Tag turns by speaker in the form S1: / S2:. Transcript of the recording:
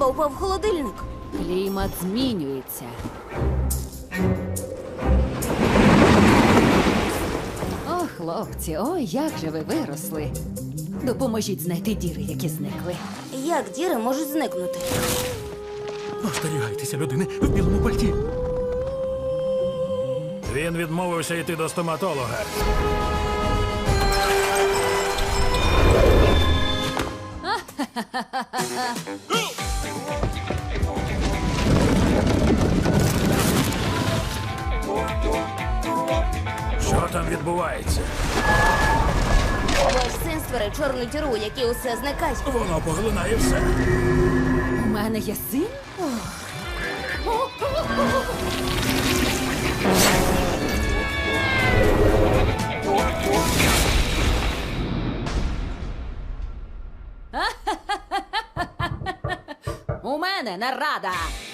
S1: бомба упав в холодильник.
S2: Клімат змінюється. О, хлопці, ой, як же ви виросли. Допоможіть знайти діри, які зникли.
S1: Як діри можуть зникнути?
S3: Остерігайтеся людини в білому пальті.
S4: Він відмовився йти до стоматолога. Що там відбувається?
S1: Ваш син створив чорну діру, які усе зникає.
S4: Воно поглинає все.
S2: У мене є син? У мене нарада!